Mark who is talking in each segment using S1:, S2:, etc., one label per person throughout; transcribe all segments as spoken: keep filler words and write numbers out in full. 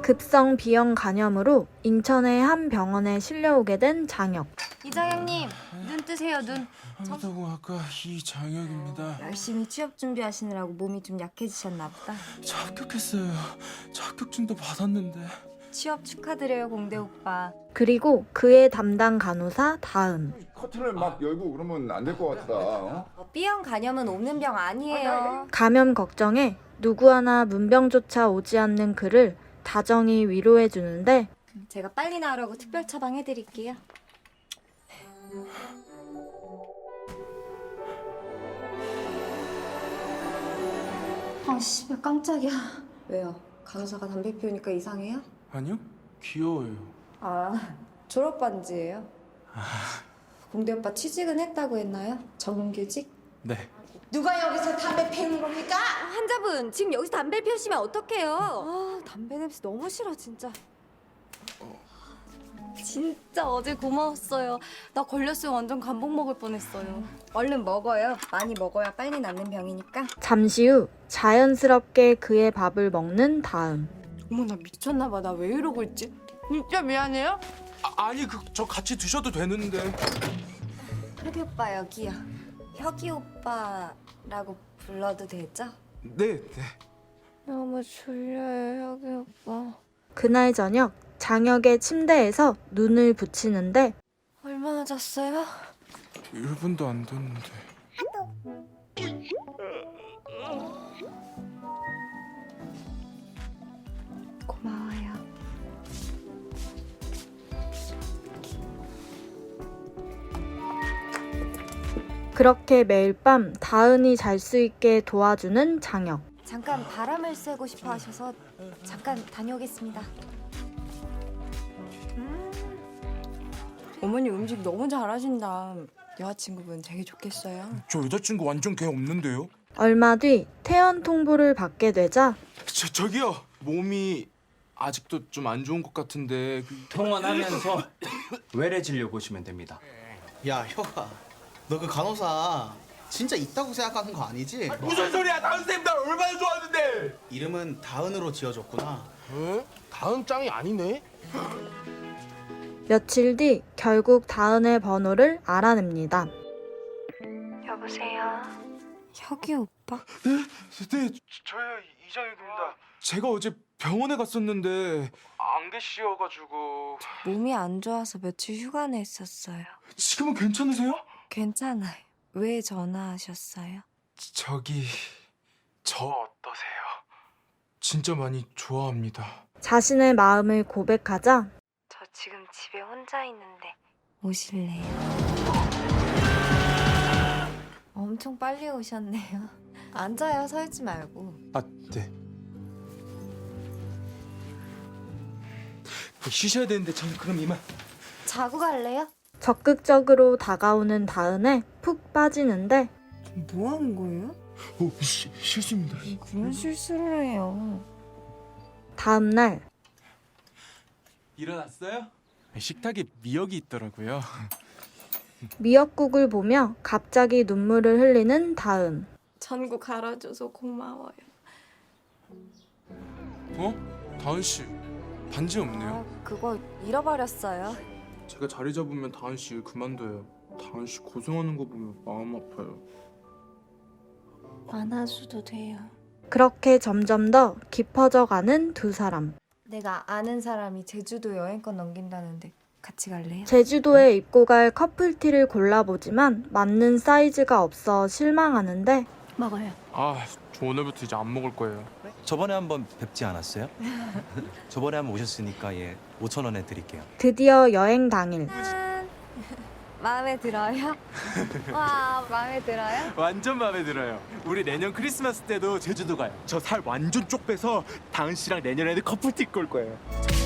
S1: 급성 비형 간염으로 인천의 한 병원에 실려오게 된 장혁.
S2: 이장혁님, 눈 뜨세요, 눈.
S3: 한다고 아까 이장혁입니다.
S2: 열심히 취업 준비하시느라고 몸이 좀 약해지셨나 보다.
S3: 저 합격했어요. 저 합격증도 받았는데.
S2: 취업 축하드려요, 공대 오빠.
S1: 그리고 그의 담당 간호사 다은.
S4: 커튼을 막 열고 그러면 안 될 것 같다. 어?
S2: B형 간염은 없는 병 아니에요.
S1: 감염 걱정에 누구 하나 문병조차 오지 않는 그를 다정히 위로해 주는데
S2: 제가 빨리 나으라고 특별 처방해드릴게요. 아, 씨발 깜짝이야. 왜요? 간호사가 담배 피우니까 이상해요?
S3: 아니요? 귀여워요.
S2: 아, 졸업 반지예요. 공대 오빠 취직은 했다고 했나요? 정규직?
S3: 네.
S5: 누가 여기서 담배 피우는 겁니까?
S2: 환자분, 지금 여기서 담배 피우시면 어떡해요? 아, 담배 냄새 너무 싫어, 진짜. 진짜 어제 고마웠어요. 나 걸렸으면 완전 감복 먹을 뻔했어요. 얼른 먹어요. 많이 먹어야 빨리 낫는 병이니까.
S1: 잠시 후 자연스럽게 그의 밥을 먹는 다음.
S5: 어머 나 미쳤나 봐. 나 왜 이러고 있지? 진짜 미안해요.
S3: 아, 아니 그 저 같이 드셔도 되는데.
S2: 혁이 오빠 여기요. 혁이 오빠라고 불러도 되죠?
S3: 네, 네.
S2: 너무 졸려요, 혁이 오빠.
S1: 그날 저녁 장혁의 침대에서 눈을 붙이는데
S2: 얼마나 잤어요?
S3: 일 분도 안 됐는데.
S2: 고마워요.
S1: 그렇게 매일 밤 다은이 잘 수 있게 도와주는 장혁.
S2: 잠깐 바람을 쐬고 싶어 하셔서 잠깐 다녀오겠습니다.
S5: 어머니 음식 너무 잘하신다. 여자친구분 되게 좋겠어요.
S3: 저 여자친구 완전 개 없는데요?
S1: 얼마 뒤 퇴원 통보를 받게 되자
S3: 저 저기요. 몸이 아직도 좀 안 좋은 것 같은데. 그...
S6: 통원하면서 외래 진료 보시면 됩니다.
S7: 야, 혁아, 너 그 간호사 진짜 있다고 생각하는 거 아니지?
S3: 무슨 소리야? 다은 쌤 날 얼마나 좋아하는데.
S7: 이름은 다은으로 지어줬구나.
S3: 에? 다은 짱이 아니네?
S1: 며칠 뒤 결국 다은의 번호를 알아냅니다.
S2: 여보세요? 혁이 오빠?
S3: 네, 저요 이장혁입니다. 제가 어제 병원에 갔었는데 안 계시어가지고.
S2: 몸이 안 좋아서 며칠 휴가 냈었어요.
S3: 지금은 괜찮으세요?
S2: 괜찮아요. 왜 전화하셨어요?
S3: 저기 저 어떠세요? 진짜 많이 좋아합니다.
S1: 자신의 마음을 고백하자
S2: 저 지금 집에 혼자 있는데 오실래요? 엄청 빨리 오셨네요. 앉아요, 서 있지 말고.
S3: 아, 네. 쉬셔야 되는데 전 그럼 이만.
S2: 자고 갈래요?
S1: 적극적으로 다가오는 다은에 푹 빠지는데
S5: 뭐 하는 거예요?
S3: 오, 시, 실수입니다.
S2: 그런 실수를 해요.
S1: 다음 날
S3: 일어났어요? 식탁에 미역이 있더라고요.
S1: 미역국을 보며 갑자기 눈물을 흘리는 다은.
S5: 전구 갈아줘서 고마워요.
S3: 어? 다은 씨 반지 없네요.
S2: 아, 그거 잃어버렸어요.
S3: 제가 자리 잡으면 다은 씨 일 그만둬요. 다은 씨 고생하는 거 보면 마음 아파요.
S2: 안아줘도 돼요.
S1: 그렇게 점점 더 깊어져 가는 두 사람.
S2: 내가 아는 사람이 제주도 여행권 넘긴다는데 같이 갈래요?
S1: 제주도에 입고 갈 커플티를 골라보지만 맞는 사이즈가 없어 실망하는데
S2: 먹어요.
S3: 아, 저 오늘부터 이제 안 먹을 거예요.
S6: 저번에 한번 뵙지 않았어요? 저번에 한번 오셨으니까 예 오천 원에 드릴게요.
S1: 드디어 여행 당일
S2: 마음에 들어요? 와, 마음에 들어요?
S3: 완전 마음에 들어요. 우리 내년 크리스마스 때도 제주도 가요. 저 살 완전 쪽 빼서 다은 씨랑 내년에는 커플티 입고 올 거예요.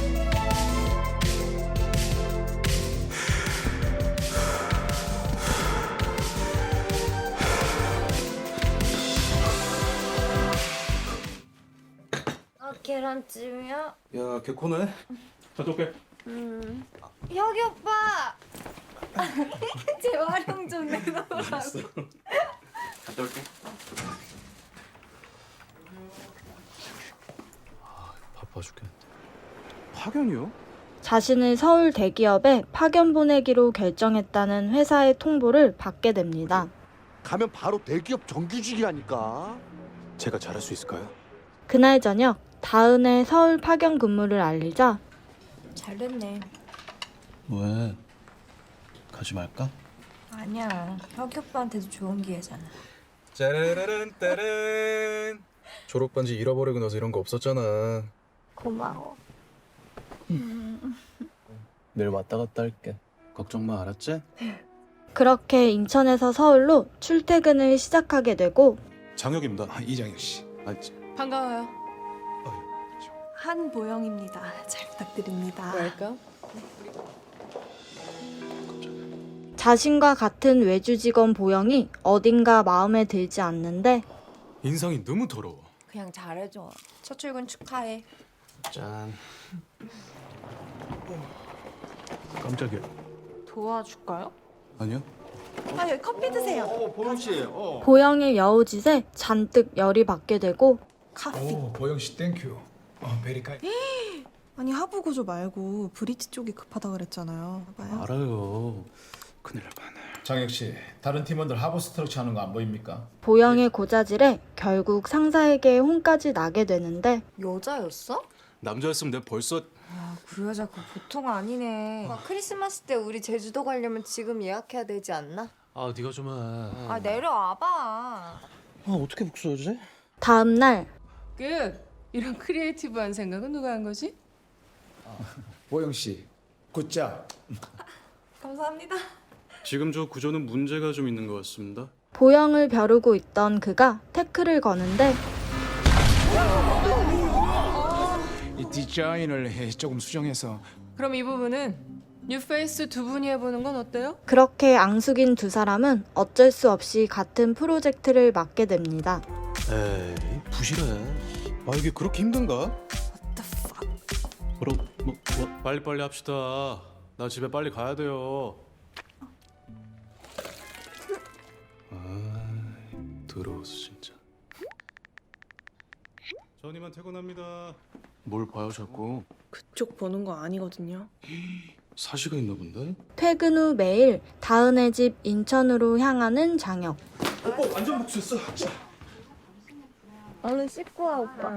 S2: 어, 계란찜이요?
S3: 야, 개코네? 저쪽 빼.
S2: 음. 혁이 오빠! 제 활용 좀 내놓으라고.
S3: 갔다 올게.
S6: 바빠 죽겠는데.
S3: 파견이요?
S1: 자신을 서울 대기업에 파견 보내기로 결정했다는 회사의 통보를 받게 됩니다.
S8: 가면 바로 대기업 정규직이라니까.
S3: 제가 잘할 수 있을까요?
S1: 그날 저녁 다은의 서울 파견 근무를 알리자
S5: 잘 됐네.
S6: 왜? 가지 말까?
S5: 아니야. 혁이 오빠한테도 좋은 기회잖아.
S9: 짜라라란 따란. 졸업 반지 잃어버리고 나서 이런 거 없었잖아.
S5: 고마워.
S6: 내일 왔다 갔다 할게. 걱정 마, 알았지?
S1: 그렇게 인천에서 서울로 출퇴근을 시작하게 되고
S9: 장혁입니다. 아, 이장혁 씨. 아, 지-
S5: 반가워요.
S9: 저-
S5: 한보영입니다. 잘 부탁드립니다. 웰컴.
S1: 자신과 같은 외주 직원 보영이 어딘가 마음에 들지 않는데
S9: 인상이 너무 더러워.
S5: 그냥 잘해줘. 첫 출근 축하해.
S6: 짠. 깜짝이야.
S5: 도와줄까요?
S6: 아니요?
S5: 아, 여기 커피 드세요.
S4: 어, 보영 씨. 어.
S1: 보영의 여우짓에 잔뜩 열이 받게 되고
S5: 커피.
S10: 오, 보영 씨 땡큐. 어, 베리카이.
S11: 아니 하부 구조 말고 브릿지 쪽이 급하다 그랬잖아요. 봐봐요.
S6: 알아요. 큰일 날 뻔했네.
S10: 장혁 씨, 다른 팀원들 하부 스트럭처 하는 거 안 보입니까?
S1: 보영의 고자질에 결국 상사에게 혼까지 나게 되는데
S2: 여자였어?
S9: 남자였으면 내가 벌써
S2: 아, 그 여자 그거 보통 아니네. 아, 크리스마스 때 우리 제주도 가려면 지금 예약해야 되지 않나?
S6: 아, 네가 좀 해.
S2: 아, 내려와봐.
S7: 아 어떻게 복수하지?
S1: 다음 날
S5: 끝. 이런 크리에이티브한 생각은 누가 한 거지?
S10: 보영 씨, 굿잡.
S2: 감사합니다.
S9: 지금 저 구조는 문제가 좀 있는 것 같습니다.
S1: 보영을 벼르고 있던 그가 태클을 거는데
S10: 이 디자인을 해, 조금 수정해서.
S5: 그럼 이 부분은 뉴페이스 두 분이 해보는 건 어때요?
S1: 그렇게 앙숙인 두 사람은 어쩔 수 없이 같은 프로젝트를 맡게 됩니다.
S9: 에이, 부실해. 아, 이게 그렇게 힘든가?
S6: 그럼 뭐, 뭐
S9: 빨리빨리 합시다. 나 집에 빨리 가야 돼요. 아, 더러워서 진짜. 전 이만 퇴근합니다.
S6: 뭘 봐요, 자꾸?
S11: 그쪽 보는 거 아니거든요.
S9: 사시가 있나 본데?
S1: 퇴근 후 매일 다은의 집 인천으로 향하는 장혁.
S3: 오빠 완전 복수했어.
S2: 얼른 씻고 와, 오빠.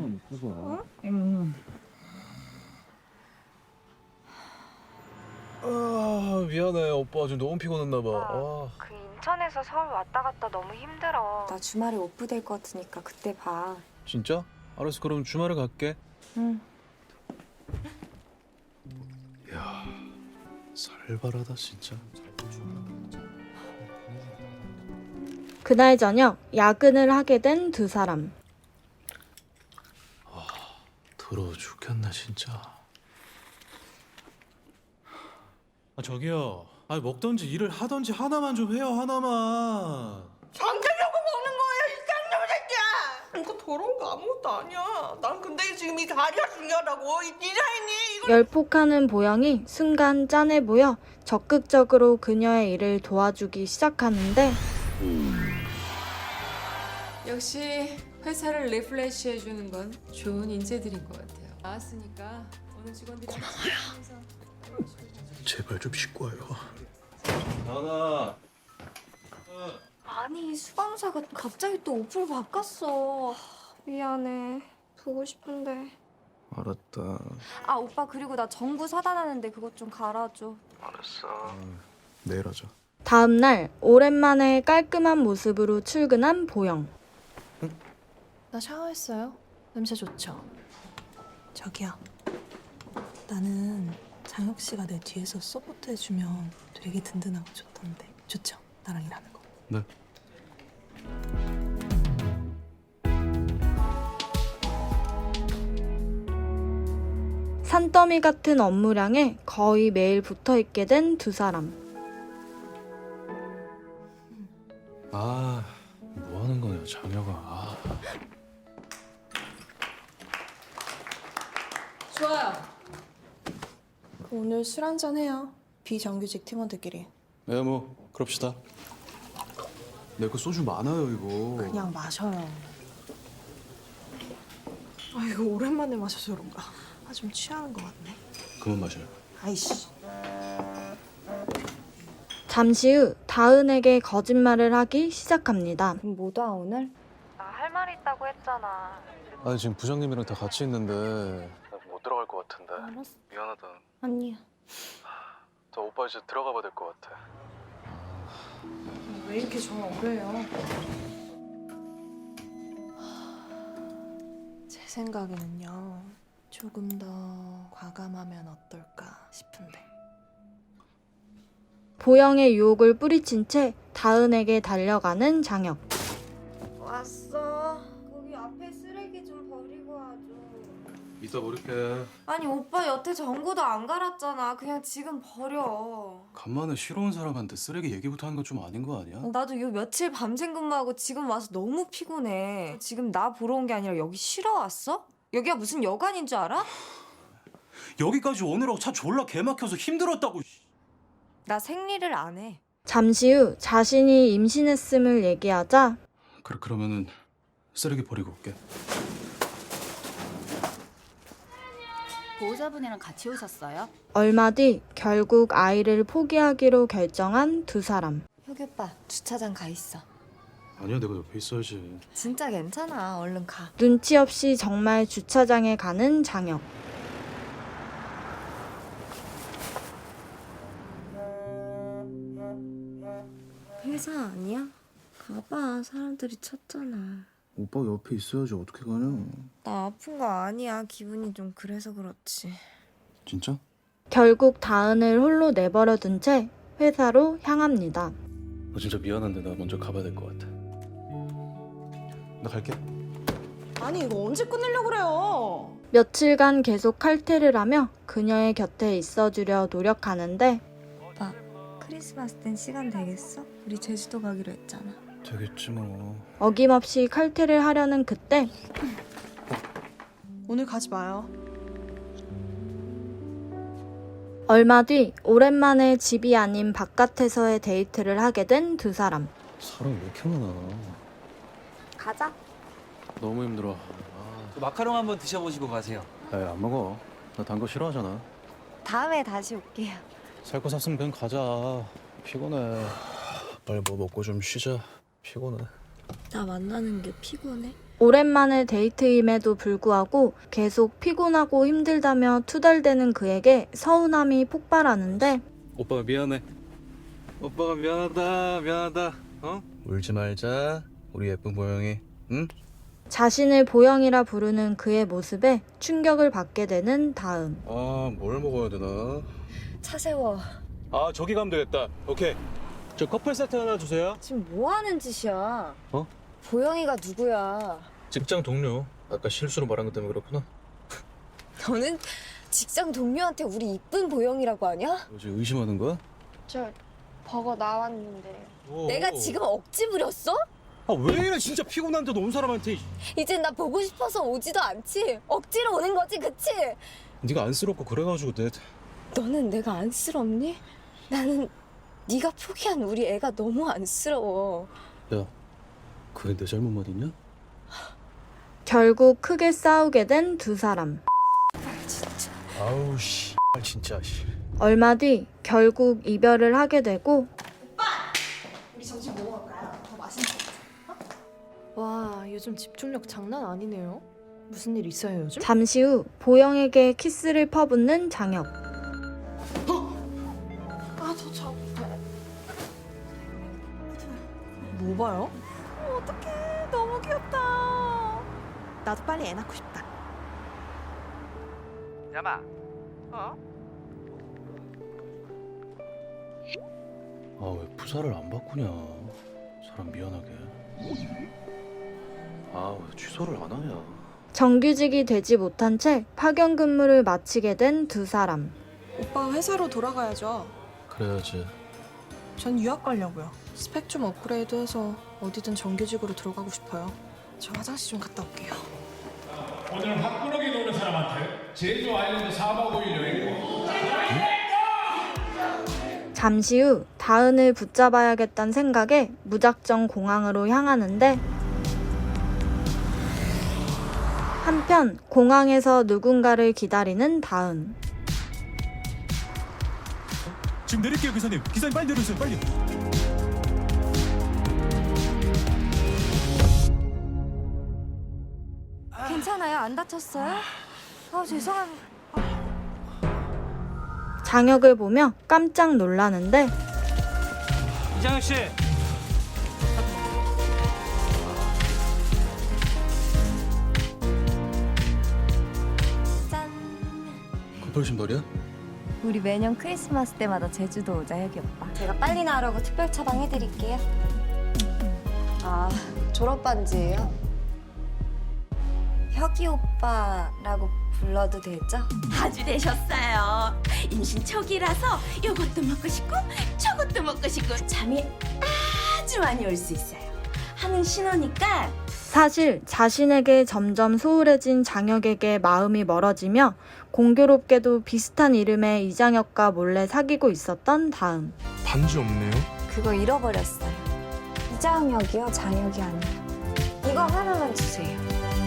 S9: 아, 미안해. 오빠 지금 너무 피곤했나 봐. 아.
S2: 그 인천에서 서울 왔다 갔다 너무 힘들어. 나 주말에 오프 될 것 같으니까 그때 봐.
S9: 진짜? 알았어. 그럼 주말에 갈게.
S2: 응.
S9: 야, 살벌하다 진짜.
S1: 그날 저녁 야근을 하게 된 두 사람.
S9: 더러워 죽겠네 진짜. 아 저기요. 아 먹던지 일을 하던지 하나만 좀 해요. 하나만.
S11: 잠들려고 먹는 거예요, 이 쌍놈 새끼야. 이거 더러운 거 아무것도 아니야. 난 근데 지금 이 다리가 중요하다고. 이 디자인이 이거.
S1: 열폭하는 보영이 순간 짠해 보여 적극적으로 그녀의 일을 도와주기 시작하는데
S5: 역시 회사를 리플레시 해주는 건 좋은 인재들인 것 같아요. 나왔으니까 오늘 직원들이 고마워요.
S9: 제발 좀 씻고 와요.
S6: 나나.
S2: 아니, 수방사가 갑자기 또 오프를 바꿨어. 미안해. 보고 싶은데.
S9: 알았다.
S2: 아, 오빠 그리고 나 전구 사다놨는데 그것 좀 갈아줘.
S9: 알았어. 내일 하자.
S1: 다음 날 오랜만에 깔끔한 모습으로 출근한 보영.
S11: 나 샤워했어요. 냄새 좋죠? 저기요. 나는 장혁 씨가 내 뒤에서 서포트 해주면 되게 든든하고 좋던데. 좋죠? 나랑 일하는 거.
S9: 네.
S1: 산더미 같은 업무량에 거의 매일 붙어있게 된 두 사람.
S9: 아, 뭐 하는 거냐 장혁아. 아.
S5: 좋아요.
S11: 오늘 술 한잔 해요. 비정규직 팀원들끼리.
S9: 네, 뭐 그럽시다. 내 거 소주 많아요 이거.
S11: 그냥 마셔요. 아 이거 오랜만에 마셔서 그런가. 아, 좀 취하는 것 같네.
S6: 그만 마셔요.
S11: 아이씨.
S1: 잠시 후 다은에게 거짓말을 하기 시작합니다.
S2: 뭐다 오늘?
S6: 아 지금 부장님이랑 다 같이 있는데 못 들어갈 것 같은데.
S2: 알았어.
S6: 미안하다.
S2: 아니야.
S6: 저 오빠 이제 들어가 봐야 될 것 같아.
S2: 왜 이렇게 전화 오래요?
S11: 제 생각에는요. 조금 더 과감하면 어떨까 싶은데.
S1: 보영의 유혹을 뿌리친 채 다은에게 달려가는 장혁.
S2: 왔어. 거기 앞에 쓰레기 좀 버리고 와줘.
S6: 이따 버릴게.
S2: 아니 오빠 여태 전구도 안 갈았잖아. 그냥 지금 버려.
S6: 간만에 싫어 온 사람한테 쓰레기 얘기부터 하는 건 좀 아닌 거 아니야?
S2: 나도 요 며칠 밤샘 근무하고 지금 와서 너무 피곤해. 지금 나 보러 온 게 아니라 여기 쉬러 왔어? 여기가 무슨 여관인 줄 알아?
S6: 여기까지 오느라고 차 졸라 개막혀서 힘들었다고.
S2: 나 생리를 안 해.
S1: 잠시 후 자신이 임신했음을 얘기하자
S6: 그래 그러면은 쓰레기 버리고 올게.
S12: 보호자분이랑 같이 오셨어요?
S1: 얼마 뒤 결국 아이를 포기하기로 결정한 두 사람.
S2: 혁이 오빠 주차장 가 있어.
S6: 아니야 내가 옆에 있어야지.
S2: 진짜 괜찮아. 얼른 가.
S1: 눈치 없이 정말 주차장에 가는 장혁.
S2: 회사 아니야? 가봐. 사람들이 찾잖아.
S6: 오빠 옆에 있어야지 어떻게 가냐.
S2: 나 아픈 거 아니야. 기분이 좀 그래서 그렇지.
S6: 진짜?
S1: 결국 다은을 홀로 내버려 둔 채 회사로 향합니다.
S6: 너 진짜 미안한데 나 먼저 가봐야 될 것 같아. 나 갈게.
S11: 아니 이거 언제 끝내려고 그래요?
S1: 며칠간 계속 칼퇴를 하며 그녀의 곁에 있어주려 노력하는데
S2: 오빠 크리스마스 땐 시간 되겠어? 우리 제주도 가기로 했잖아.
S6: 되겠지 뭐.
S1: 어김없이 칼퇴를 하려는 그때
S11: 오늘 가지 마요.
S1: 얼마 뒤 오랜만에 집이 아닌 바깥에서의 데이트를 하게 된 두 사람.
S6: 사람 왜 이렇게 많아.
S2: 가자.
S6: 너무 힘들어.
S13: 마카롱 한번 드셔보시고 가세요.
S6: 에이 안 먹어. 나 단 거 싫어하잖아.
S2: 다음에 다시 올게요.
S6: 살 거 샀으면 그냥 가자. 피곤해. 빨리 뭐 먹고 좀 쉬자. 피곤해.
S2: 나 만나는 게 피곤해?
S1: 오랜만의 데이트임에도 불구하고 계속 피곤하고 힘들다며 투덜대는 그에게 서운함이 폭발하는데
S6: 오빠가 미안해. 오빠가 미안하다. 미안하다. 어? 울지 말자. 우리 예쁜 보영이. 응?
S1: 자신을 보영이라 부르는 그의 모습에 충격을 받게 되는 다음.
S6: 아, 뭘 먹어야 되나?
S2: 차 세워.
S6: 아, 저기 가면 되겠다. 오케이. 저 커플 세트 하나 주세요.
S2: 지금 뭐 하는 짓이야?
S6: 어?
S2: 보영이가 누구야?
S6: 직장 동료. 아까 실수로 말한 것 때문에 그렇구나.
S2: 너는 직장 동료한테 우리 이쁜 보영이라고 하냐?
S6: 너 지금 의심하는 거야?
S2: 저 버거 나왔는데.
S6: 오.
S2: 내가 지금 억지 부렸어?
S6: 아, 왜 이래 진짜 피곤한데도 온 사람한테.
S2: 이젠 나 보고 싶어서 오지도 않지. 억지로 오는 거지, 그치?
S6: 네가 안쓰럽고 그래가지고 내.
S2: 너는 내가 안쓰럽니? 나는 네가 포기한 우리 애가 너무 안쓰러워.
S6: 야, 그게 내 잘못 말이냐?
S1: 결국 크게 싸우게 된 두 사람.
S2: 진짜.
S6: 아우 씨, 진짜 씨.
S1: 얼마 뒤 결국 이별을 하게 되고
S11: 우리 점심 뭐 먹을까요? 더 맛있는 거 같아. 와 요즘 집중력 장난 아니네요. 무슨 일 있어요 요즘?
S1: 잠시 후 보영에게 키스를 퍼붓는 장혁.
S11: 아저 저. 뭐 봐요? 어떡해 너무 귀엽다. 나도 빨리 애 낳고 싶다.
S13: 야마. 어?
S6: 아, 왜 부사를 안 바꾸냐? 사람 미안하게. 아, 왜 취소를 안 하냐?
S1: 정규직이 되지 못한 채 파견 근무를 마치게 된 두 사람.
S11: 오빠 회사로 돌아가야죠.
S6: 그래야지.
S11: 전 유학 가려고요. 스펙 좀 업그레이드해서 어디든 정규직으로 들어가고 싶어요. 저 화장실 좀 갔다 올게요.
S10: 오늘 화끈하게 노는 사람한테 제주 아일랜드 사박 오일 여행권.
S1: 잠시 후 다은을 붙잡아야겠다는 생각에 무작정 공항으로 향하는데 한편 공항에서 누군가를 기다리는 다은.
S9: 지금 내릴게요 기사님. 기사님 빨리 내려주세요 빨리.
S2: 괜찮아요? 안 다쳤어요? 아 죄송합니다.
S1: 장혁을 보며 깜짝 놀라는데
S13: 이장혁 씨.
S2: 짠.
S6: 커플 신발이야?
S2: 우리 매년 크리스마스 때마다 제주도 오자, 혁이 오빠. 제가 빨리 나으라고 특별 처방 해드릴게요. 아, 졸업 반지예요? 혁이 오빠라고 불러도 되죠?
S11: 아주 되셨어요. 임신 초기라서 요것도 먹고 싶고 저것도 먹고 싶고 잠이 아주 많이 올 수 있어요. 하는 신호니까.
S1: 사실 자신에게 점점 소홀해진 장혁에게 마음이 멀어지며 공교롭게도 비슷한 이름의 이장혁과 몰래 사귀고 있었던 다음.
S3: 반지 없네요.
S2: 그거 잃어버렸어요. 이장혁이요? 장혁이 아니라. 이거 하나만 주세요.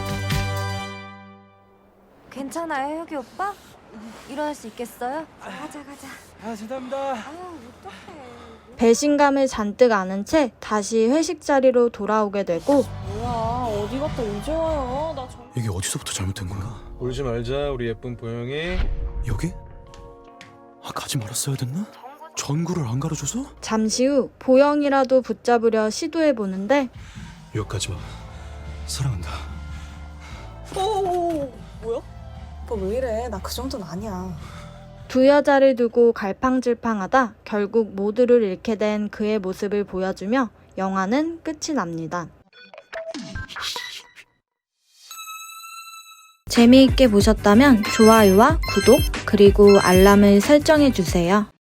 S2: 괜찮아요, 혁이 오빠? 일어날 수 있겠어요? 가자, 가자.
S13: 아 죄송합니다.
S2: 아유, 어떡해.
S1: 배신감을 잔뜩 안은 채 다시 회식 자리로 돌아오게 되고
S11: 뭐야, 어디 갔다 이제 와요? 나 정...
S9: 이게 어디서부터 잘못된 거야?
S6: 울지 말자 우리 예쁜 보영이.
S9: 여기? 아 가지 말았어야 됐나? 전구를 안 가려줘서?
S1: 잠시 후 보영이라도 붙잡으려 시도해보는데
S9: 여기까지 마. 사랑한다.
S11: 오, 뭐야? 오빠 왜 이래? 나 그 정도는 아니야.
S1: 두 여자를 두고 갈팡질팡하다 결국 모두를 잃게 된 그의 모습을 보여주며 영화는 끝이 납니다. 재미있게 보셨다면 좋아요와 구독 그리고 알람을 설정해주세요.